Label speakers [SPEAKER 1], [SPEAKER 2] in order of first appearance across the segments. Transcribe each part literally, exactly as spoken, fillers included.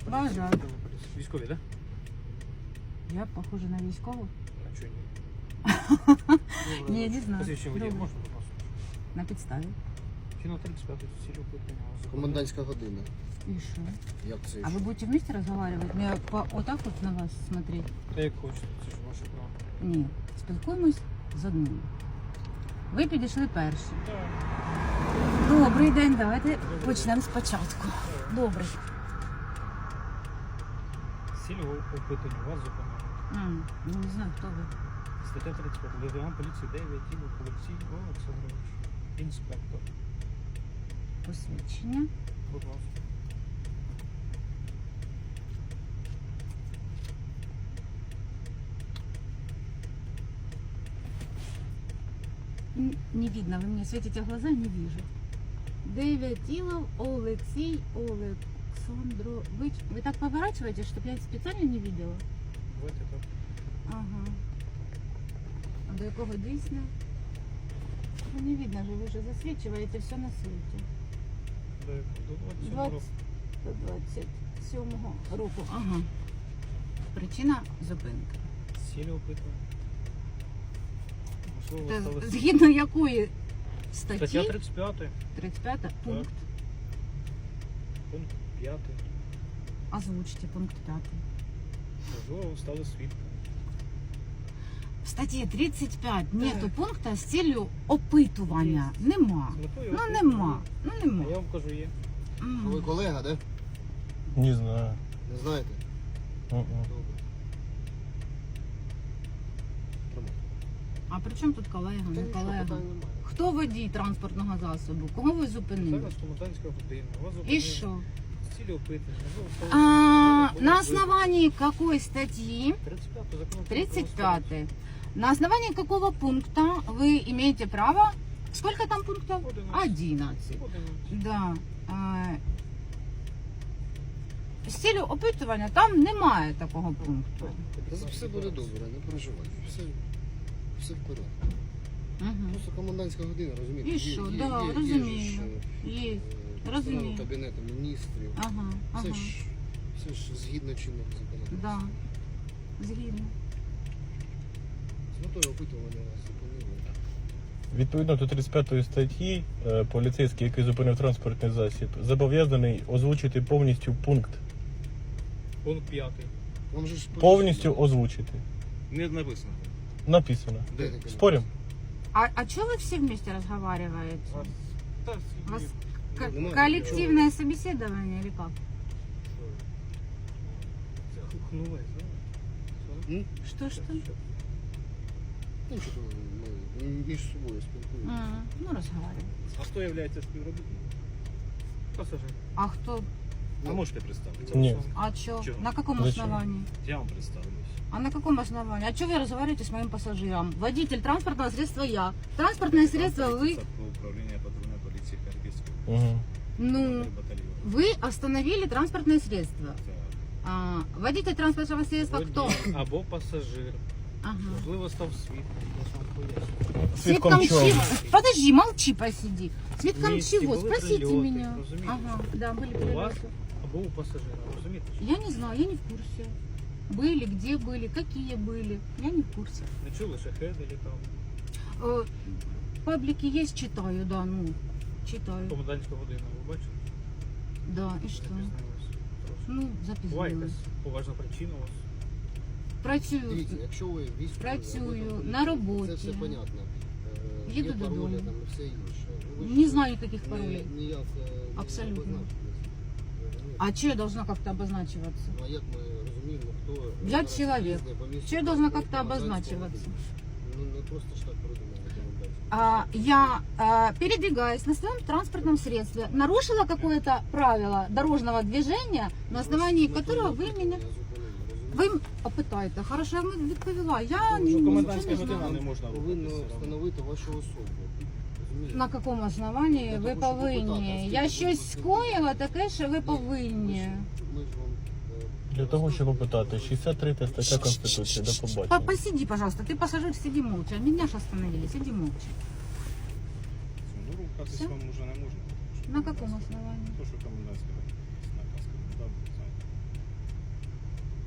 [SPEAKER 1] Бажаю.
[SPEAKER 2] Військові, так?
[SPEAKER 1] Я похожа на військову?
[SPEAKER 2] А чого ні?
[SPEAKER 1] Ні, не знаю.
[SPEAKER 2] Посвідчення водія
[SPEAKER 1] Добре.
[SPEAKER 2] можна, будь ласка?
[SPEAKER 1] На підставі.
[SPEAKER 2] Кіно тридцять п'ять, цілі опитання.
[SPEAKER 3] Комендантська година.
[SPEAKER 1] И что?
[SPEAKER 3] Як це?
[SPEAKER 1] А вы будете вместе разговаривать? Мне по, вот так вот на вас смотреть?
[SPEAKER 2] Та як хочете, це ж ваше право.
[SPEAKER 1] Ні. Спілкуємось з одним. Ви підійшли перші.
[SPEAKER 2] Так.
[SPEAKER 1] Добрий день, давайте почнемо спочатку. Добрий.
[SPEAKER 2] Цілі опитання вас зупинили.
[SPEAKER 1] М, ну, не знаю, хто ви.
[SPEAKER 2] Стаття тридцять п'ять. Лейтенант поліції дев'ять, Тіло Олексій Олександрович. Інспектор.
[SPEAKER 1] Посвідчення.
[SPEAKER 2] Будь ласка.
[SPEAKER 1] Н- Не видно, вы мне светите в глаза, не вижу. Девятилов Алексей Александрович. Вы так поворачиваете, чтобы я специально не видела?
[SPEAKER 2] Давайте так.
[SPEAKER 1] Ага. А до якого дійсно? Ну, не видно же, ви вже засвічуєте все на світі.
[SPEAKER 2] До двадцять сьомого року.
[SPEAKER 1] До двадцять сьомого року. Ага. Причина зупинки.
[SPEAKER 2] Цілі опитування. Можливо,
[SPEAKER 1] Та
[SPEAKER 2] стали-
[SPEAKER 1] згідно якої
[SPEAKER 2] Стаття
[SPEAKER 1] статті?
[SPEAKER 2] тридцять п'ять,
[SPEAKER 1] тридцять п'ята пункт.
[SPEAKER 2] пункт п'ятий.
[SPEAKER 1] Озвучте пункт п'ятий.
[SPEAKER 2] Можливо, ви стали свідком.
[SPEAKER 1] В статті тридцять п'ять нету пункта з ціллю опитування. Нема.
[SPEAKER 2] З метою
[SPEAKER 1] Ну
[SPEAKER 2] опитування.
[SPEAKER 1] нема. Ну
[SPEAKER 2] А
[SPEAKER 1] нема.
[SPEAKER 2] я вам кажу, є.
[SPEAKER 1] М.
[SPEAKER 3] Ви колега, да?
[SPEAKER 4] Не знаю.
[SPEAKER 3] Не знаєте?
[SPEAKER 4] Мгм.
[SPEAKER 3] Добре. Тримай.
[SPEAKER 1] А при чому тут колега,
[SPEAKER 3] Та
[SPEAKER 1] не
[SPEAKER 3] нічого,
[SPEAKER 1] колега?
[SPEAKER 3] питань немає.
[SPEAKER 1] Хто водій транспортного засобу? Кого ви зупинили?
[SPEAKER 2] Зараз комендантська година. Вас
[SPEAKER 1] І
[SPEAKER 2] зупинили.
[SPEAKER 1] що?
[SPEAKER 2] З цілі опитування. Можливо, стали
[SPEAKER 1] А,
[SPEAKER 2] свідком.
[SPEAKER 1] на основании какой статьи?
[SPEAKER 2] тридцать п'ятий закон.
[SPEAKER 1] тридцать пятый. На основании какого пункта вы имеете право? Сколько там пунктов?
[SPEAKER 2] Одиннадцать.
[SPEAKER 1] одиннадцать.
[SPEAKER 2] Одинадцять.
[SPEAKER 1] Да. А, з цілю опитування там немає такого пункту.
[SPEAKER 3] Та все буде добре, не переживайте. Все, все в порядку.
[SPEAKER 1] Угу.
[SPEAKER 3] Просто комендантська година, розумієте?
[SPEAKER 1] І
[SPEAKER 3] Є-
[SPEAKER 1] що?
[SPEAKER 3] є-
[SPEAKER 1] Да,
[SPEAKER 3] є- є
[SPEAKER 1] розумію.
[SPEAKER 3] ж, е,
[SPEAKER 1] Є.
[SPEAKER 3] е,
[SPEAKER 1] Розумію.
[SPEAKER 3] постанова Кабінету міністрів.
[SPEAKER 1] Ага, ага.
[SPEAKER 3] Все ж, все ж згідно чинного законодавства.
[SPEAKER 1] Да. Згідно.
[SPEAKER 3] З метою опитування вас зупинили.
[SPEAKER 4] Відповідно до тридцять п'ятої статті, е, поліцейський, який зупинив транспортний засіб, зобов'язаний озвучити повністю пункт.
[SPEAKER 2] Пункт п'ятий.
[SPEAKER 3] Вам же ж
[SPEAKER 4] Повністю озвучити.
[SPEAKER 2] Не написано.
[SPEAKER 4] Написано.
[SPEAKER 3] Де таке
[SPEAKER 4] Спорим?
[SPEAKER 1] А, а что вы все вместе разговариваете?
[SPEAKER 2] Та,
[SPEAKER 1] У вас ко-
[SPEAKER 3] Немає
[SPEAKER 1] коллективное собеседование или как?
[SPEAKER 2] Це хухнули, знаєш?
[SPEAKER 3] М?
[SPEAKER 1] Что, что?
[SPEAKER 3] Ну, що ми між собою спілкуємося.
[SPEAKER 1] М, ну, разговариваем.
[SPEAKER 2] А хто є співробітником? Пасажир.
[SPEAKER 1] А кто?
[SPEAKER 2] А можете представитися?
[SPEAKER 4] Ні.
[SPEAKER 1] А чё?
[SPEAKER 2] Чё?
[SPEAKER 1] На каком
[SPEAKER 4] Зачем?
[SPEAKER 1] основании?
[SPEAKER 2] Я вам представлюсь.
[SPEAKER 1] А на каком основании? А что вы разговариваете с моим пассажиром? Водитель транспортного средства я. Транспортное средство вы...
[SPEAKER 2] Управління патрульної поліції Харківської
[SPEAKER 4] Угу.
[SPEAKER 1] Ну,
[SPEAKER 2] батальйону.
[SPEAKER 1] вы остановили транспортное средство. А, водитель транспортного средства кто?
[SPEAKER 2] Або пасажир.
[SPEAKER 1] Ага.
[SPEAKER 2] Можливо, став свідком. Я ж вам поясню.
[SPEAKER 4] Свідком чого?
[SPEAKER 1] чего? Подожди, молчи, посиди. Свидком
[SPEAKER 2] Вместе
[SPEAKER 1] чего?
[SPEAKER 2] были
[SPEAKER 1] Спросите
[SPEAKER 2] прилеты,
[SPEAKER 1] меня.
[SPEAKER 2] разумеете?
[SPEAKER 1] Ага, да, были
[SPEAKER 2] У вас
[SPEAKER 1] прилеты.
[SPEAKER 2] або у пасажира, розумієте?
[SPEAKER 1] Я не знаю, я не в курсе. Были, где были, какие были. Я не в курсе.
[SPEAKER 2] Не чули, шахеди літав.
[SPEAKER 1] Э, Паблики есть, читаю, да, ну, читаю.
[SPEAKER 2] Комендантська година, ви бачите?
[SPEAKER 1] Да, и что?
[SPEAKER 2] Запізнились. Трошки.
[SPEAKER 1] Ну,
[SPEAKER 2] Буває
[SPEAKER 1] запізнилась.
[SPEAKER 2] якась поважна причина у вас.
[SPEAKER 1] Працюю.
[SPEAKER 3] Дивіться, якщо ви військові,
[SPEAKER 1] Працюю,
[SPEAKER 3] або там
[SPEAKER 1] на роботі.
[SPEAKER 3] Це все понятно. Е,
[SPEAKER 1] Їду
[SPEAKER 3] є паролі
[SPEAKER 1] додому.
[SPEAKER 3] там і все інше. Ну, ви ж
[SPEAKER 1] Не знаю никаких
[SPEAKER 3] не-
[SPEAKER 1] паролей.
[SPEAKER 3] Ніяк е, не
[SPEAKER 1] Абсолютно.
[SPEAKER 3] обозначились. Розумієте?
[SPEAKER 1] А что я должна как-то обозначиваться?
[SPEAKER 3] Ну, а як ми розуміємо, хто...
[SPEAKER 1] Я
[SPEAKER 3] зараз
[SPEAKER 1] чоловік.
[SPEAKER 3] їздить по місту
[SPEAKER 1] Чи я должна
[SPEAKER 3] транспорту,
[SPEAKER 1] как-то
[SPEAKER 3] комендантського
[SPEAKER 1] обозначиваться?
[SPEAKER 3] годину? Ну, не просто ж так придумали комендантську.
[SPEAKER 1] А, я, а, передвигаясь на своем транспортном средстве, нарушила какое-то правило дорожного движения, на основании
[SPEAKER 3] Ну,
[SPEAKER 1] которого
[SPEAKER 3] то
[SPEAKER 1] вы
[SPEAKER 3] я
[SPEAKER 1] меня...
[SPEAKER 3] зупинив, розумієте?
[SPEAKER 1] Ви м- опитаєте, хорошо, я вам відповіла. Я
[SPEAKER 2] Тому
[SPEAKER 1] ні-
[SPEAKER 2] що
[SPEAKER 1] нічого
[SPEAKER 2] комендантська
[SPEAKER 1] не
[SPEAKER 2] година
[SPEAKER 1] знаю.
[SPEAKER 2] не можна
[SPEAKER 3] Повинно
[SPEAKER 2] рухатися.
[SPEAKER 3] встановити вашу особу. Розумієте?
[SPEAKER 1] На якому основанні
[SPEAKER 3] Для
[SPEAKER 1] ви
[SPEAKER 3] того, щоб
[SPEAKER 1] повинні?
[SPEAKER 3] попитати,
[SPEAKER 1] Я
[SPEAKER 3] а
[SPEAKER 1] щось
[SPEAKER 3] скільки
[SPEAKER 1] скоїла, таке, що ви
[SPEAKER 3] Ні,
[SPEAKER 1] повинні.
[SPEAKER 3] Ми ж, ми ж вам, е,
[SPEAKER 4] Для того, щоб опитати, шістдесят третя стаття Конституції. До
[SPEAKER 1] По-
[SPEAKER 4] побачення.
[SPEAKER 1] Посиди, пожалуйста, ты пассажир, сиди молча. Меня же остановили, сиди молча.
[SPEAKER 2] Ну, рухатись
[SPEAKER 1] Все?
[SPEAKER 2] вам вже не можна. тому що
[SPEAKER 1] На каком основании?
[SPEAKER 2] То, що комендантська година. Наказ коменданта, знаєте.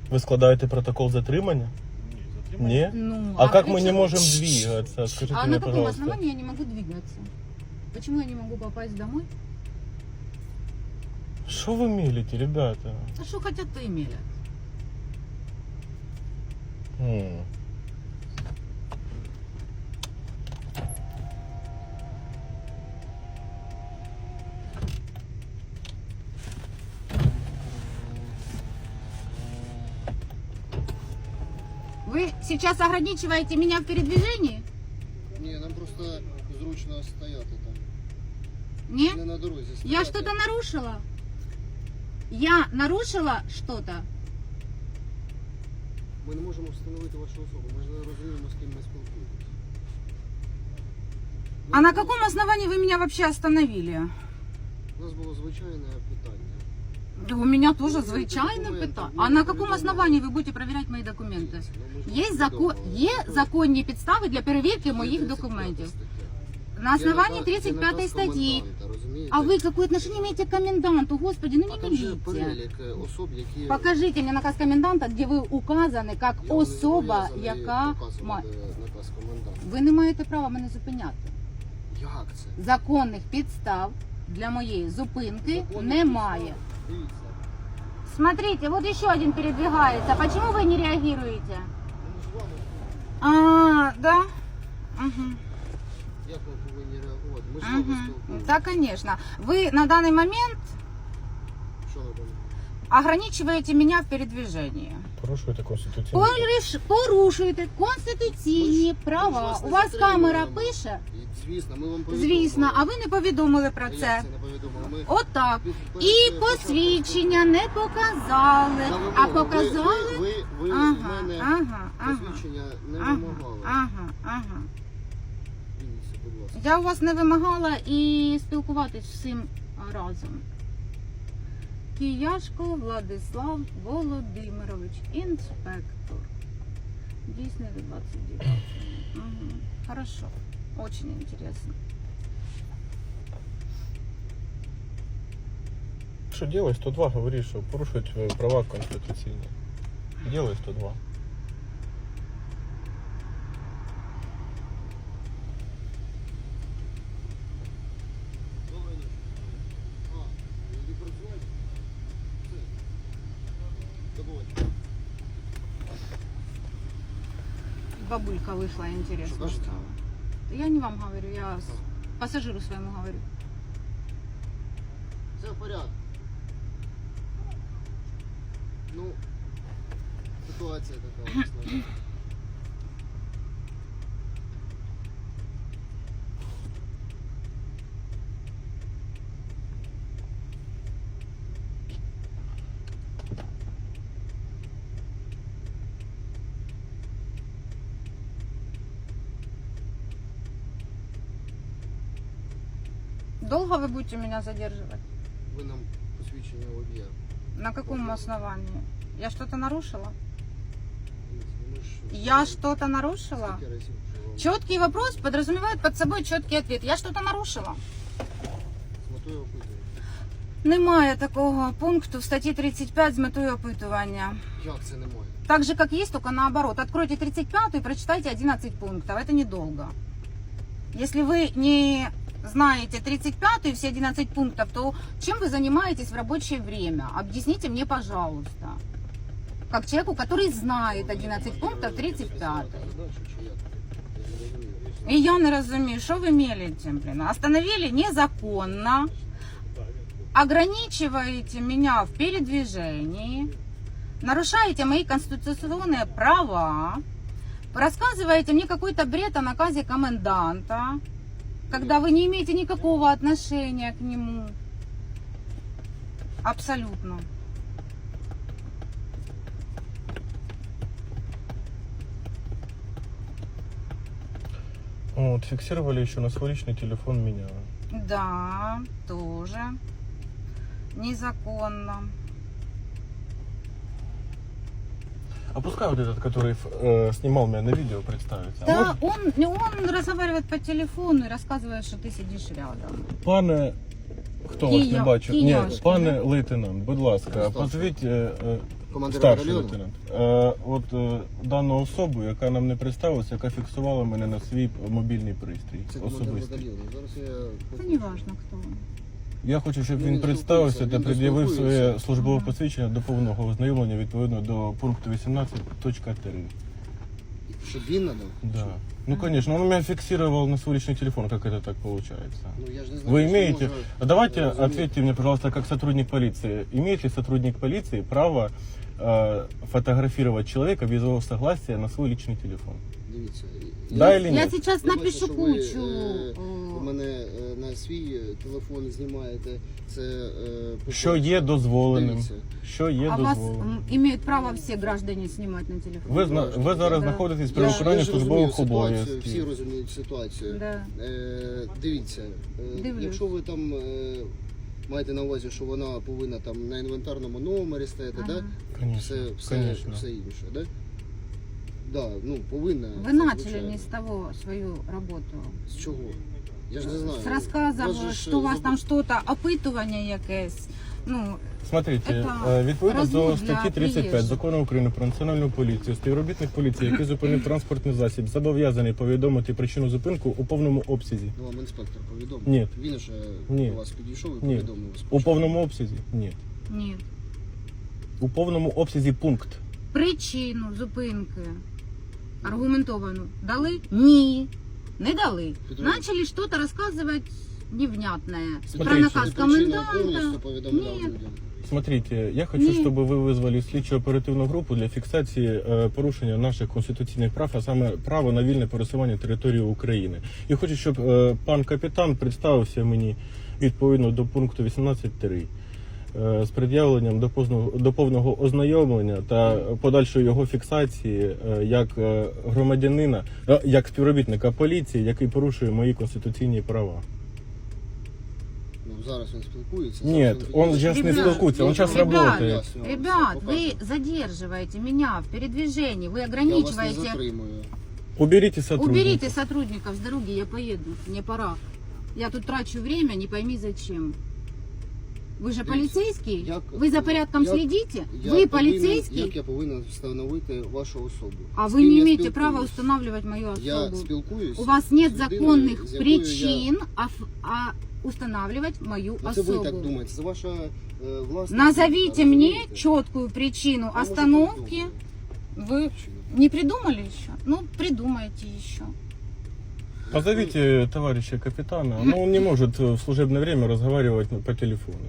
[SPEAKER 4] Ви складаєте протокол затримання?
[SPEAKER 2] Ні, затримання.
[SPEAKER 4] Ні?
[SPEAKER 1] Ну,
[SPEAKER 4] А как мы
[SPEAKER 1] при
[SPEAKER 4] не
[SPEAKER 1] чём-
[SPEAKER 4] можем двигаться? Скажите
[SPEAKER 1] А
[SPEAKER 4] мне,
[SPEAKER 1] на каком
[SPEAKER 4] пожалуйста.
[SPEAKER 1] основании я не могу двигаться? Почему я не могу попасть домой?
[SPEAKER 4] Что вы мелите, ребята?
[SPEAKER 1] А что хотят, то имели.
[SPEAKER 4] М.
[SPEAKER 1] Вы сейчас ограничиваете меня в передвижении?
[SPEAKER 3] Ні, нам просто зручно стояти там.
[SPEAKER 1] Нет?
[SPEAKER 3] Не на дорозі стояти.
[SPEAKER 1] Я что-то нарушила? Я нарушила что-то?
[SPEAKER 3] Ми не можемо встановити вашу особу. Ми ж не розуміємо, з ким ми спілкуємося.
[SPEAKER 1] А на каком основании вы меня вообще остановили?
[SPEAKER 3] У нас було звичайне питання.
[SPEAKER 1] Да у меня тоже
[SPEAKER 3] Ну,
[SPEAKER 1] звичайно
[SPEAKER 3] документы,
[SPEAKER 1] питання.
[SPEAKER 3] ну,
[SPEAKER 1] А на каком
[SPEAKER 3] повідомлення.
[SPEAKER 1] основании вы будете проверять мои документы?
[SPEAKER 3] Ну, ми ж
[SPEAKER 1] Є,
[SPEAKER 3] вам
[SPEAKER 1] закон,
[SPEAKER 3] повідомили.
[SPEAKER 1] є
[SPEAKER 3] Ну,
[SPEAKER 1] законні підстави для перевірки
[SPEAKER 3] є
[SPEAKER 1] моїх
[SPEAKER 3] тридцять п'ята
[SPEAKER 1] документів.
[SPEAKER 3] стаття.
[SPEAKER 1] На
[SPEAKER 3] Є
[SPEAKER 1] основании
[SPEAKER 3] наказ-
[SPEAKER 1] тридцать
[SPEAKER 3] є
[SPEAKER 1] пятой
[SPEAKER 3] наказ
[SPEAKER 1] статьи.
[SPEAKER 3] коменданта, розумієте?
[SPEAKER 1] А вы какое отношение имеете к коменданту? Господи, ну
[SPEAKER 3] А
[SPEAKER 1] не
[SPEAKER 3] там же
[SPEAKER 1] милите.
[SPEAKER 3] перелік е, особ, які...
[SPEAKER 1] Покажите мне наказ коменданта, где вы указаны как
[SPEAKER 3] Я вам не
[SPEAKER 1] особа,
[SPEAKER 3] зобов'язаний
[SPEAKER 1] яка
[SPEAKER 3] показувати
[SPEAKER 1] має.
[SPEAKER 3] наказ коменданта.
[SPEAKER 1] Ви не маєте права мене зупиняти.
[SPEAKER 3] Як це?
[SPEAKER 1] Законних підстав для моєї зупинки
[SPEAKER 3] Законних
[SPEAKER 1] немає.
[SPEAKER 3] підстав. Дивіться.
[SPEAKER 1] Смотрите, вот еще один передвигается. Почему вы не реагируете?
[SPEAKER 3] Ми ж з вами,
[SPEAKER 1] А, да? Угу.
[SPEAKER 3] як ми повинні реагувати? Ми ж з вами
[SPEAKER 1] Угу.
[SPEAKER 3] спілкуємося.
[SPEAKER 1] Да, конечно. Вы на данный момент
[SPEAKER 3] Що на даний момент?
[SPEAKER 1] ограничиваете меня в передвижении.
[SPEAKER 4] Порушуєте конституційну.
[SPEAKER 1] Пориш- Порушуєте конституційні права.
[SPEAKER 3] вас не
[SPEAKER 1] У вас
[SPEAKER 3] затримуємо.
[SPEAKER 1] камера пише?
[SPEAKER 3] І, звісно, ми вам повідомили.
[SPEAKER 1] Звісно, а ви не повідомили про
[SPEAKER 3] А як
[SPEAKER 1] це.
[SPEAKER 3] не повідомили? Ми
[SPEAKER 1] Отак.
[SPEAKER 3] під- перед
[SPEAKER 1] І
[SPEAKER 3] тим,
[SPEAKER 1] посвідчення не показали,
[SPEAKER 3] На вимогу.
[SPEAKER 1] а
[SPEAKER 3] Ви-
[SPEAKER 1] показали.
[SPEAKER 3] Ви, ви, ви
[SPEAKER 1] Ага,
[SPEAKER 3] в мене
[SPEAKER 1] ага, ага.
[SPEAKER 3] посвідчення не
[SPEAKER 1] Ага,
[SPEAKER 3] вимагали.
[SPEAKER 1] ага, ага.
[SPEAKER 3] Дивіться, будь ласка.
[SPEAKER 1] Я у вас не вимагала і спілкуватись всім разом. Кияшко Владислав Володимирович, інспектор. Дійсний до двадцять дев'ятого. Угу. Хорошо. Очень интересно.
[SPEAKER 4] Що делай сто два, говори, що порушують е, права конституційні. Делай сто два.
[SPEAKER 3] Добрий день. А, ви працюєте? Все. До побачення.
[SPEAKER 1] Бабулька вышла, интересно
[SPEAKER 3] Что, кажете?
[SPEAKER 1] стало. Я не вам говорю, я с- пассажиру своему говорю.
[SPEAKER 3] Все в порядку. Ну, ситуація така у нас, на жаль.
[SPEAKER 1] Долго вы будете меня задерживать?
[SPEAKER 3] Ви нам посвідчення водія.
[SPEAKER 1] На каком
[SPEAKER 3] Можно.
[SPEAKER 1] основании? Я что-то нарушила?
[SPEAKER 3] Ми ж-
[SPEAKER 1] Я что-то нарушила?
[SPEAKER 3] Скільки разів вже вам
[SPEAKER 1] Четкий вопрос подразумевает под собой четкий ответ. Я что-то нарушила?
[SPEAKER 3] з метою опитування?
[SPEAKER 1] Немає такого пункту в статті тридцять п'ять з метою опитування.
[SPEAKER 3] Як це немає?
[SPEAKER 1] Так же, как есть, только наоборот. Откройте тридцать пятую и прочитайте одиннадцать пунктов. Это недолго. Если вы не знаете тридцать пятую и все одиннадцать пунктов, то чем вы занимаетесь в рабочее время? Объясните мне, пожалуйста. Как человеку, который знает одиннадцать пунктов тридцать пятой.
[SPEAKER 3] Задачу чи як? Я не розумію.
[SPEAKER 1] И я не разумею, что вы мелите, блин. Остановили незаконно. Ограничиваете меня в передвижении. Нарушаете мои конституционные права. Рассказываете мне какой-то бред о наказе коменданта, когда вы не имеете никакого отношения к нему. Абсолютно.
[SPEAKER 4] Вот, фиксировали еще на свой личный телефон меня.
[SPEAKER 1] Да, тоже. Незаконно.
[SPEAKER 4] А пускай вот этот, который э, снимал меня на видео, представится. А
[SPEAKER 1] Да,
[SPEAKER 4] может,
[SPEAKER 1] он, он разговаривает по телефону и рассказывает, что ты сидишь рядом.
[SPEAKER 4] Пане, хто вас не
[SPEAKER 1] Кия-
[SPEAKER 4] бачив? Ні,
[SPEAKER 1] Кияшки,
[SPEAKER 4] пане
[SPEAKER 1] да?
[SPEAKER 4] лейтенант, будь ласка,
[SPEAKER 3] Старший.
[SPEAKER 4] позвіть е, е,
[SPEAKER 3] Командир
[SPEAKER 4] Старший
[SPEAKER 3] батальйону?
[SPEAKER 4] лейтенант. Е, от е, дану особу, яка нам не представилася, яка фіксувала мене на свій мобільний пристрій
[SPEAKER 3] Це командир
[SPEAKER 4] особистий.
[SPEAKER 3] батальйону. Зараз я...
[SPEAKER 1] Это не важно, кто он.
[SPEAKER 4] Я хочу, щоб
[SPEAKER 3] Ну,
[SPEAKER 4] він
[SPEAKER 3] він
[SPEAKER 4] представився
[SPEAKER 3] спілкується,
[SPEAKER 4] та
[SPEAKER 3] він
[SPEAKER 4] пред'явив своє
[SPEAKER 3] спілкується.
[SPEAKER 4] службове
[SPEAKER 1] Ага.
[SPEAKER 4] посвідчення до повного ознайомлення відповідно до пункту вісімнадцять точка три.
[SPEAKER 3] Щоб він надав?
[SPEAKER 4] Да. Ну, конечно, он меня фиксировал на свой личный телефон, как это так получается.
[SPEAKER 3] Ну, я ж не знаю,
[SPEAKER 4] Вы
[SPEAKER 3] що
[SPEAKER 4] имеете,
[SPEAKER 3] може,
[SPEAKER 4] а давайте
[SPEAKER 3] э,
[SPEAKER 4] ответьте мне, пожалуйста, как сотрудник полиции, имеет ли сотрудник полиции право э, фотографировать человека без его согласия на свой личный телефон?
[SPEAKER 3] Дивіться.
[SPEAKER 4] Да
[SPEAKER 3] я-
[SPEAKER 4] или
[SPEAKER 1] Я
[SPEAKER 4] нет?
[SPEAKER 1] сейчас
[SPEAKER 3] Я бачу,
[SPEAKER 1] напишу
[SPEAKER 3] що ви,
[SPEAKER 1] кучу.
[SPEAKER 3] е,
[SPEAKER 1] э,
[SPEAKER 3] У мене е, на свій е, телефон знімаєте. Це е, по-
[SPEAKER 4] Що є дозволеним?
[SPEAKER 3] Дивіться.
[SPEAKER 4] Що є
[SPEAKER 1] А вас
[SPEAKER 4] дозволеним?
[SPEAKER 1] м, имеют право все граждане снимать на телефон?
[SPEAKER 4] Ви, зна- ви зараз
[SPEAKER 1] Да.
[SPEAKER 4] знаходитесь при
[SPEAKER 3] Я,
[SPEAKER 4] виконанні
[SPEAKER 3] я ж розумію
[SPEAKER 4] службових
[SPEAKER 3] ситуацію, всі
[SPEAKER 4] обов'язків.
[SPEAKER 3] розуміють ситуацію.
[SPEAKER 1] Да.
[SPEAKER 3] Е, дивіться, е,
[SPEAKER 1] Дивлюсь.
[SPEAKER 3] якщо ви там е, маєте на увазі, що вона повинна там на інвентарному номері стояти,
[SPEAKER 1] Ага.
[SPEAKER 3] да?
[SPEAKER 4] Конечно,
[SPEAKER 3] все, все,
[SPEAKER 4] конечно.
[SPEAKER 3] все інше, да? Да, ну, повинна.
[SPEAKER 1] Вы
[SPEAKER 3] це,
[SPEAKER 1] начали
[SPEAKER 3] звичайно.
[SPEAKER 1] не с того свою работу.
[SPEAKER 3] З чого? Я ж не знаю.
[SPEAKER 1] С рассказом,
[SPEAKER 3] Вас же ж,
[SPEAKER 1] что у вас
[SPEAKER 3] заб-
[SPEAKER 1] там что-то, опитування якесь. Ну,
[SPEAKER 4] Смотрите,
[SPEAKER 1] Это
[SPEAKER 4] е, відповідно до
[SPEAKER 1] розмов для
[SPEAKER 4] статті тридцять п'ять
[SPEAKER 1] приїжджих.
[SPEAKER 4] Закону України про національну поліцію, співробітник поліції, який зупинив транспортний засіб, зобов'язаний повідомити причину зупинку у повному обсязі.
[SPEAKER 3] Ну, вам інспектор повідомив?
[SPEAKER 4] Ні.
[SPEAKER 3] Він же
[SPEAKER 4] Ні.
[SPEAKER 3] до вас підійшов і
[SPEAKER 4] Ні.
[SPEAKER 3] повідомив вас.
[SPEAKER 4] У повному обсязі? Ні.
[SPEAKER 1] ні.
[SPEAKER 4] У повному обсязі пункт.
[SPEAKER 1] Причину зупинки аргументовану дали? Ні. Не дали.
[SPEAKER 3] Петрович.
[SPEAKER 1] Начали что-то рассказывать невнятное. Про
[SPEAKER 4] Смотрите.
[SPEAKER 1] наказ
[SPEAKER 3] Причину
[SPEAKER 1] коменданта.
[SPEAKER 3] повністю повідомляв
[SPEAKER 1] Ні.
[SPEAKER 3] людям.
[SPEAKER 4] Смотрите, я хочу,
[SPEAKER 1] Ні.
[SPEAKER 4] щоб ви визвали слідчо оперативну групу для фіксації е, порушення наших конституційних прав, а саме право на вільне пересування території України. І хочу, щоб е, пан капітан представився мені відповідно до пункту вісімнадцять три е, з пред'явленням до позного- до повного ознайомлення та подальшої його фіксації е, як е, громадянина, е, як співробітника поліції, який порушує мої конституційні права.
[SPEAKER 3] Ну, зараз він спілкується.
[SPEAKER 4] Ні,
[SPEAKER 3] зараз він
[SPEAKER 4] он
[SPEAKER 3] підійде.
[SPEAKER 4] зараз не
[SPEAKER 1] Ребят,
[SPEAKER 4] спілкується, він зараз
[SPEAKER 1] ребят,
[SPEAKER 4] працює.
[SPEAKER 1] Ребят, вы задерживаете меня в передвижении, вы
[SPEAKER 3] Я вас не
[SPEAKER 1] ограничиваете.
[SPEAKER 3] затримую.
[SPEAKER 4] Уберите сотрудника.
[SPEAKER 1] Уберите сотрудников с дороги, я поеду, мне пора. Я тут трачу время, не пойми зачем. Вы же полицейский?
[SPEAKER 3] Як-
[SPEAKER 1] Вы за порядком
[SPEAKER 3] як-
[SPEAKER 1] следите?
[SPEAKER 3] Я
[SPEAKER 1] Вы
[SPEAKER 3] повинен-
[SPEAKER 1] полицейский?
[SPEAKER 3] Як я повинен встановити вашу особу?
[SPEAKER 1] А
[SPEAKER 3] З
[SPEAKER 1] вы
[SPEAKER 3] ким
[SPEAKER 1] не
[SPEAKER 3] я
[SPEAKER 1] имеете
[SPEAKER 3] спілкуюсь?
[SPEAKER 1] права устанавливать мою
[SPEAKER 3] Я
[SPEAKER 1] особу.
[SPEAKER 3] спілкуюсь.
[SPEAKER 1] У вас нет
[SPEAKER 3] з людиною,
[SPEAKER 1] законных
[SPEAKER 3] з якою
[SPEAKER 1] причин а, ф- а устанавливать мою
[SPEAKER 3] Я... Це ви так
[SPEAKER 1] особу.
[SPEAKER 3] думаєте, це ваша е, власна...
[SPEAKER 1] Назовите
[SPEAKER 3] думка,
[SPEAKER 1] мне
[SPEAKER 3] розумієте?
[SPEAKER 1] четкую причину
[SPEAKER 3] Я можу
[SPEAKER 1] остановки.
[SPEAKER 3] придумати.
[SPEAKER 1] Вы не придумали еще? Ну, придумайте еще.
[SPEAKER 4] Позовите товарища капитана, но он не может в служебное время разговаривать по телефону.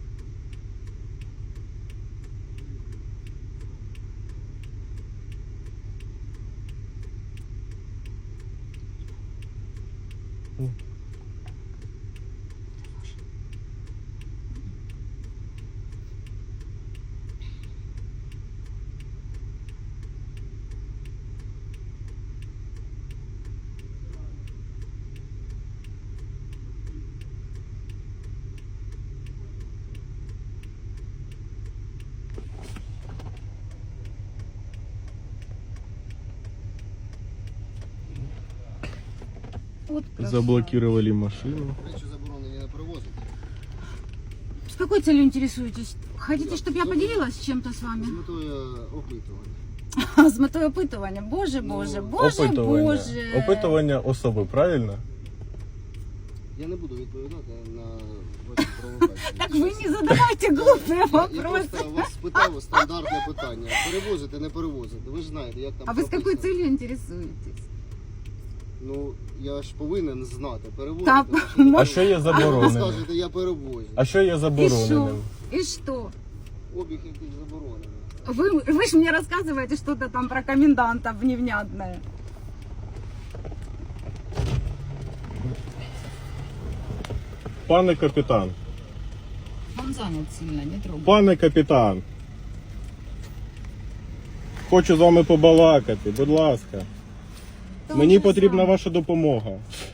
[SPEAKER 1] Вот красава.
[SPEAKER 4] Заблокировали машину.
[SPEAKER 3] Речі заборонені не перевозити.
[SPEAKER 1] С какой целью интересуетесь? Хотите, чтобы я поделилась чем-то с
[SPEAKER 3] З
[SPEAKER 1] вами?
[SPEAKER 3] метою опитування.
[SPEAKER 1] З метою опитування. Боже,
[SPEAKER 3] Ну,
[SPEAKER 1] боже, боже,
[SPEAKER 4] Опитування.
[SPEAKER 1] боже.
[SPEAKER 4] Опитування особи, правильно?
[SPEAKER 3] Я не буду відповідати на ваші провокації.
[SPEAKER 1] Так ви не задавайте глупые
[SPEAKER 3] Я
[SPEAKER 1] вопросы.
[SPEAKER 3] просто вас спитав стандартне питання. Перевозити, не перевозити. Ви ж знаєте, як там
[SPEAKER 1] А вы с какой
[SPEAKER 3] прописано.
[SPEAKER 1] целью интересуетесь?
[SPEAKER 3] Ну, я ж повинен знати, перевозити.
[SPEAKER 1] Та,
[SPEAKER 3] ви ж не
[SPEAKER 1] мо-
[SPEAKER 4] А що є
[SPEAKER 3] Ви
[SPEAKER 4] забороненим?
[SPEAKER 3] скажете, я перевозю.
[SPEAKER 4] А що є
[SPEAKER 1] И что?
[SPEAKER 4] забороненим?
[SPEAKER 1] И что?
[SPEAKER 3] Обіг якийсь заборонений.
[SPEAKER 1] Вы, вы же мне рассказываете что-то там про коменданта невнятное.
[SPEAKER 4] Пане капітан,
[SPEAKER 1] Он занят сильно, не трогай.
[SPEAKER 4] пане капітан. Хочу з вами побалакати, будь ласка.
[SPEAKER 1] Да
[SPEAKER 4] Мені
[SPEAKER 1] он же
[SPEAKER 4] потрібна
[SPEAKER 1] занят.
[SPEAKER 4] ваша допомога.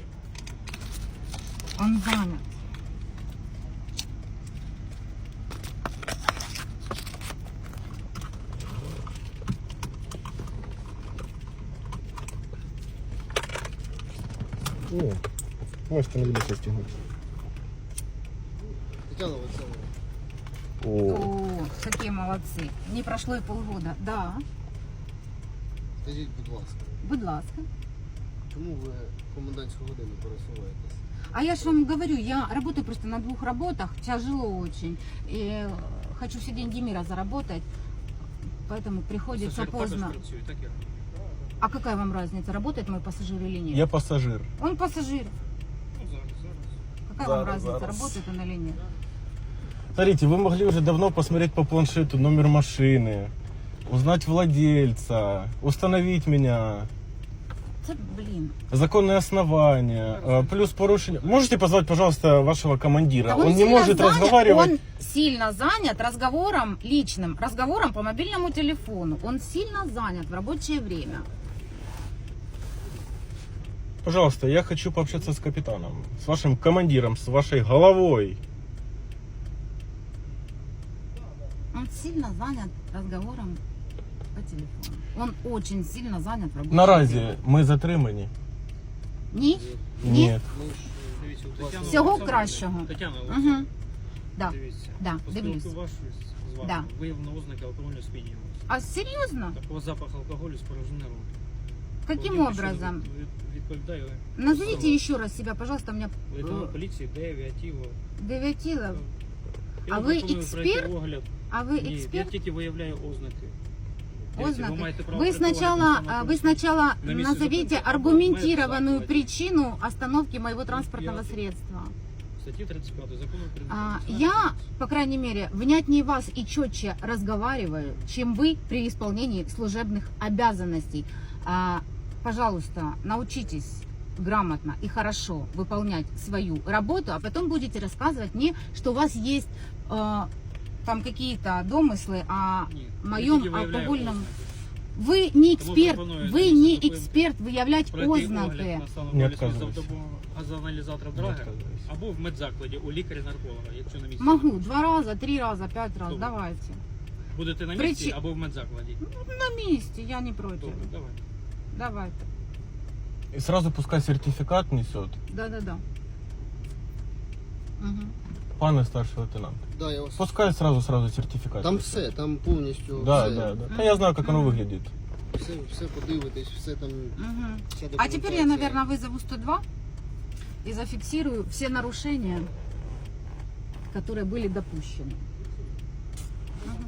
[SPEAKER 1] Он занят.
[SPEAKER 4] Ні, можете не будете стягнути.
[SPEAKER 3] Тетяна Олександровна,
[SPEAKER 4] О,
[SPEAKER 1] О, какие молодцы. Не прошло и полгода. Да,
[SPEAKER 3] Скажіть, будь ласка,
[SPEAKER 1] будь ласка.
[SPEAKER 3] чому ви комендантську годину пересуваєтесь?
[SPEAKER 1] А я же вам говорю, я работаю просто на двух работах, тяжело очень. И э, хочу все деньги мира заработать, поэтому приходится
[SPEAKER 2] Пасажир також
[SPEAKER 1] поздно.
[SPEAKER 2] працює, так я розумію.
[SPEAKER 1] А какая вам разница, работает мой пассажир или нет?
[SPEAKER 4] я пасажир.
[SPEAKER 1] Он пассажир.
[SPEAKER 2] Ну, зараз, зараз.
[SPEAKER 1] Какая
[SPEAKER 4] Зараз,
[SPEAKER 1] вам разница,
[SPEAKER 4] зараз.
[SPEAKER 1] работает он или нет?
[SPEAKER 4] Смотрите, вы могли уже давно посмотреть по планшету номер машины, узнать владельца, установить меня,
[SPEAKER 1] Это, блин.
[SPEAKER 4] законные основания, э, плюс порушение. Можете позвать, пожалуйста, вашего командира?
[SPEAKER 1] Да
[SPEAKER 4] Он не
[SPEAKER 1] сильно
[SPEAKER 4] может
[SPEAKER 1] занят,
[SPEAKER 4] разговаривать.
[SPEAKER 1] Он сильно занят разговором личным, разговором по мобильному телефону. Он сильно занят в рабочее время.
[SPEAKER 4] Пожалуйста, я хочу пообщаться с капитаном, с вашим командиром, с вашей головой.
[SPEAKER 1] Он сильно занят разговором по телефону. Он очень сильно занят в рабочее
[SPEAKER 4] Наразі
[SPEAKER 1] время.
[SPEAKER 4] ми затримані?
[SPEAKER 1] Ні?
[SPEAKER 4] Ні.
[SPEAKER 3] Ми ж
[SPEAKER 2] Дивіться, у Тетяни
[SPEAKER 1] Всього
[SPEAKER 2] Олександрівни-
[SPEAKER 1] кращого.
[SPEAKER 2] Тетяна
[SPEAKER 1] Угу.
[SPEAKER 2] Олександрівна,
[SPEAKER 1] Да.
[SPEAKER 2] дивіться.
[SPEAKER 1] Да,
[SPEAKER 2] По
[SPEAKER 1] дивлюсь.
[SPEAKER 2] спілку вашої з вами
[SPEAKER 1] Да.
[SPEAKER 2] виявлено ознаки алкогольного сп'яніння.
[SPEAKER 1] А серьезно?
[SPEAKER 2] Такого запах алкоголю спорожнений рот.
[SPEAKER 1] Каким
[SPEAKER 2] Володимир, що
[SPEAKER 1] образом?
[SPEAKER 2] від- Відповідаю.
[SPEAKER 1] Назовите еще раз себя, пожалуйста, у меня
[SPEAKER 2] Лейтенант поліції Дев'ятіло.
[SPEAKER 1] Девятилов.
[SPEAKER 2] Я
[SPEAKER 1] А
[SPEAKER 2] вам
[SPEAKER 1] ви
[SPEAKER 2] пропоную пройти
[SPEAKER 1] експерт?
[SPEAKER 2] огляд.
[SPEAKER 1] А вы
[SPEAKER 2] Ні, я
[SPEAKER 1] эксперт?
[SPEAKER 2] тільки виявляю ознаки. Дивіться, ви
[SPEAKER 1] Ознаки.
[SPEAKER 2] маєте право
[SPEAKER 1] Вы
[SPEAKER 2] прийти огляд
[SPEAKER 1] сначала,
[SPEAKER 2] на
[SPEAKER 1] а,
[SPEAKER 2] самому
[SPEAKER 1] вы сначала
[SPEAKER 2] На месте
[SPEAKER 1] назовите
[SPEAKER 2] зупинки або
[SPEAKER 1] аргументированную
[SPEAKER 2] в
[SPEAKER 1] причину остановки моего транспортного
[SPEAKER 2] пятый.
[SPEAKER 1] средства.
[SPEAKER 2] Статті тридцять п'ять закону України.
[SPEAKER 1] А,
[SPEAKER 2] про
[SPEAKER 1] Я, по крайней мере, внятнее вас и четче разговариваю, чем вы при исполнении служебных обязанностей. А, Пожалуйста, научитесь грамотно и хорошо выполнять свою работу, а потом будете рассказывать мне, что у вас есть э, там какие-то домыслы о
[SPEAKER 2] Ні, я
[SPEAKER 1] моем
[SPEAKER 2] тільки виявляю
[SPEAKER 1] алкогольном.
[SPEAKER 2] ознаки.
[SPEAKER 1] Вы не
[SPEAKER 2] Тому
[SPEAKER 1] эксперт,
[SPEAKER 2] пропоную
[SPEAKER 1] вы
[SPEAKER 2] дивіться,
[SPEAKER 1] не
[SPEAKER 2] такої-
[SPEAKER 1] эксперт выявлять
[SPEAKER 2] Пройти
[SPEAKER 1] ознаки.
[SPEAKER 2] огляд на стан
[SPEAKER 4] Не
[SPEAKER 2] алкоголю за
[SPEAKER 4] відказуюсь.
[SPEAKER 2] допомогою газоаналізатора Драгера
[SPEAKER 4] відказуюсь.
[SPEAKER 2] або в медзакладі у лікаря-нарколога, якщо на місці.
[SPEAKER 1] Могу два раза, три раза, пять раз,
[SPEAKER 2] Добре.
[SPEAKER 1] давайте.
[SPEAKER 2] Будете на
[SPEAKER 1] Причи-
[SPEAKER 2] місці або в медзакладі.
[SPEAKER 1] На месте, я не против.
[SPEAKER 2] Добре, давай.
[SPEAKER 1] Давайте.
[SPEAKER 4] И сразу пускай сертификат несет.
[SPEAKER 1] Да-да-да. Угу.
[SPEAKER 4] Пане старший лейтенант.
[SPEAKER 3] Да, я вас...
[SPEAKER 4] Пускай сразу сразу сертификат.
[SPEAKER 3] Там
[SPEAKER 4] несет.
[SPEAKER 3] все, там повністю
[SPEAKER 4] Да,
[SPEAKER 3] все,
[SPEAKER 4] да, да. Та я знаю, как оно выглядит.
[SPEAKER 3] все, все подивитесь, все там.
[SPEAKER 1] Угу.
[SPEAKER 3] Вся
[SPEAKER 1] А теперь я,
[SPEAKER 3] документація.
[SPEAKER 1] наверное, вызову сто два и зафиксирую все нарушения, которые были допущены. Мгм.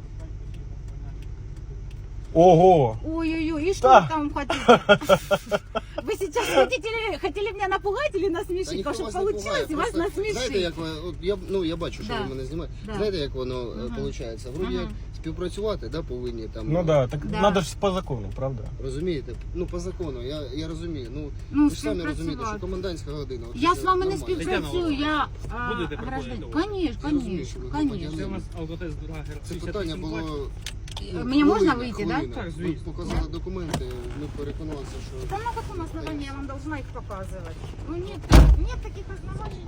[SPEAKER 4] Ого!
[SPEAKER 1] Ой-ой-ой, и что
[SPEAKER 4] Да.
[SPEAKER 1] вы там хотите? Вы сейчас хотите, хотели меня напугать или
[SPEAKER 3] Та
[SPEAKER 1] насмешить?
[SPEAKER 3] ніхто
[SPEAKER 1] Чтобы
[SPEAKER 3] вас не
[SPEAKER 1] получилось
[SPEAKER 3] пугає,
[SPEAKER 1] и вас
[SPEAKER 3] просто Знаєте,
[SPEAKER 1] насмешить.
[SPEAKER 3] як ви, от я, ну, я бачу, що
[SPEAKER 1] Да.
[SPEAKER 3] ви мене знімаєте.
[SPEAKER 1] Да.
[SPEAKER 3] Знаєте, як воно
[SPEAKER 1] Мгм.
[SPEAKER 3] виходить? Вроді як
[SPEAKER 1] Мгм.
[SPEAKER 3] співпрацювати, да, повинні там.
[SPEAKER 4] Ну да, так
[SPEAKER 1] Да.
[SPEAKER 4] надо же по закону, правда?
[SPEAKER 3] Розумієте? Ну, по закону, я, я розумію. Ну,
[SPEAKER 1] Ну,
[SPEAKER 3] ви ж самі розумієте, що
[SPEAKER 1] співпрацювати.
[SPEAKER 3] комендантська година. от
[SPEAKER 1] Я
[SPEAKER 3] це
[SPEAKER 1] з вами не
[SPEAKER 3] нормально.
[SPEAKER 1] співпрацюю, я а,
[SPEAKER 2] Будете
[SPEAKER 1] гражданин.
[SPEAKER 2] приходити?
[SPEAKER 1] Конечно,
[SPEAKER 3] Я розумію,
[SPEAKER 1] конечно,
[SPEAKER 3] що ви
[SPEAKER 2] Це
[SPEAKER 1] конечно.
[SPEAKER 2] у нас алкотест Драгер.
[SPEAKER 3] Це
[SPEAKER 2] шістдесят
[SPEAKER 3] питання
[SPEAKER 2] вісім
[SPEAKER 3] було.
[SPEAKER 2] бачите?
[SPEAKER 3] ну,
[SPEAKER 1] Мені можна
[SPEAKER 3] хвилина,
[SPEAKER 1] вийти, да?
[SPEAKER 3] хвилина.
[SPEAKER 2] Так,
[SPEAKER 3] Ви
[SPEAKER 2] звісно.
[SPEAKER 3] показали документи, ми переконалися, що.
[SPEAKER 1] Да на каком основании я вам должна их показывать? Ну нет, нет таких оснований.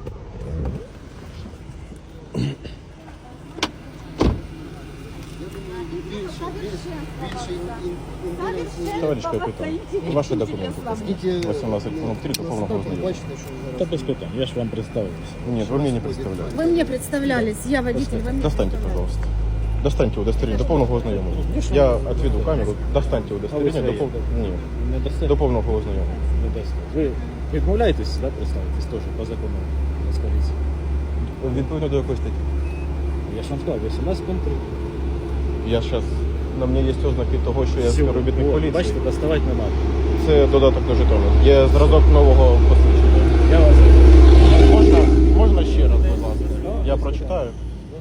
[SPEAKER 3] Я думаю, більше, більше, більше ін- ін- інтересу.
[SPEAKER 4] Товарищ капитан, ваши документы.
[SPEAKER 3] Скільки
[SPEAKER 4] восемнадцать пункт три, до повного ознайомлення.
[SPEAKER 3] бачите, що
[SPEAKER 5] Та
[SPEAKER 3] зараз.
[SPEAKER 5] без питань, я ж вам представитися.
[SPEAKER 4] Нет, вы мне не представляете.
[SPEAKER 1] Вы мне представлялись, я водитель, вы мне
[SPEAKER 4] Достаньте,
[SPEAKER 1] представлялись.
[SPEAKER 4] пожалуйста. Достаньте удостоверение до повного ознайомлення. Я отведу камеру, достаньте удостоверение до повного... Ні,
[SPEAKER 5] Не дасте?
[SPEAKER 4] до повного ознайомлення.
[SPEAKER 5] Не дасте. Ви відмовляєтесь, да, представитись теж по закону Нацполіції?
[SPEAKER 4] Відповідно до якої статті?
[SPEAKER 5] Я ж вам сказав, вісімнадцять пункт три.
[SPEAKER 4] Я зараз... На мені є ознаки того, що я співробітник
[SPEAKER 5] О,
[SPEAKER 4] поліції.
[SPEAKER 5] Бачите, доставати не треба.
[SPEAKER 4] Це додаток до жетону. Є зразок нового посвідчення.
[SPEAKER 5] Я вас...
[SPEAKER 4] Можна, можна ще раз, будь ласка? Я прочитаю.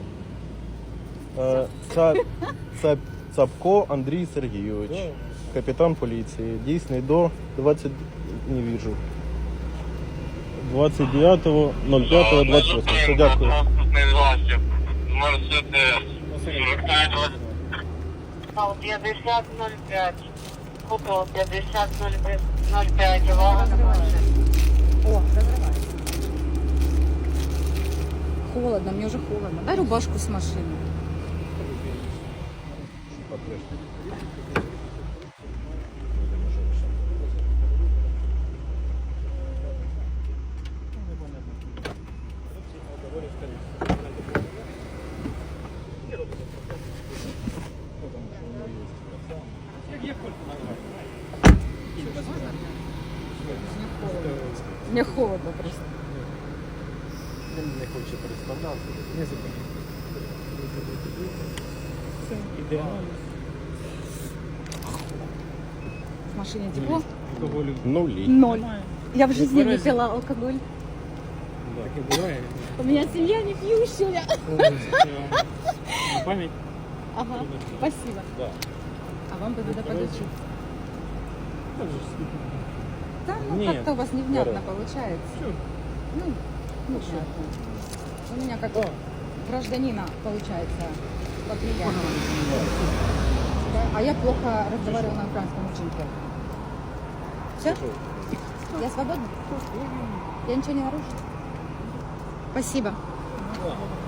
[SPEAKER 4] Е, Це, це Цапко Андрій Сергійович, капітан поліції, дійсний до двадцять... не вижу. двадцять дев'ятого ноль п'ятого двадцять восьмого. Все, дякую.
[SPEAKER 6] Транспортний засіб. Мерседес. п'ятдесят нуль п'ять. Купол п'ятдесят нуль п'ять. Увага на планшет.
[SPEAKER 1] О, разрывай. Холодно, мне уже холодно. Дай рубашку с машины. Мне холодно просто.
[SPEAKER 5] Він не хоче представлятися.
[SPEAKER 2] Не зупиняйтесь. Все, ідеально.
[SPEAKER 1] В машине тепло?
[SPEAKER 2] Алкоголю
[SPEAKER 4] Нулі.
[SPEAKER 1] Ноль.
[SPEAKER 2] немає.
[SPEAKER 1] Я в жизни не
[SPEAKER 2] Тверезый.
[SPEAKER 1] пила алкоголь.
[SPEAKER 2] Таке буває.
[SPEAKER 1] У меня семья не пьющая.
[SPEAKER 2] О, це вам на пам'ять.
[SPEAKER 1] Ага, спасибо.
[SPEAKER 5] Да.
[SPEAKER 1] А вам бы надо подучить.
[SPEAKER 2] Так же ж скільки.
[SPEAKER 1] Да, ну
[SPEAKER 2] Нет.
[SPEAKER 1] как-то у вас невнятно
[SPEAKER 5] Здорово.
[SPEAKER 1] получается.
[SPEAKER 2] Чё?
[SPEAKER 1] Ну, невнятно. У меня как гражданина получается по-приятному. Да, а я плохо разговариваю на украинском очень плохо. Все? Я свободна? Я ничего не нарушу? Спасибо.
[SPEAKER 2] Ну, ладно.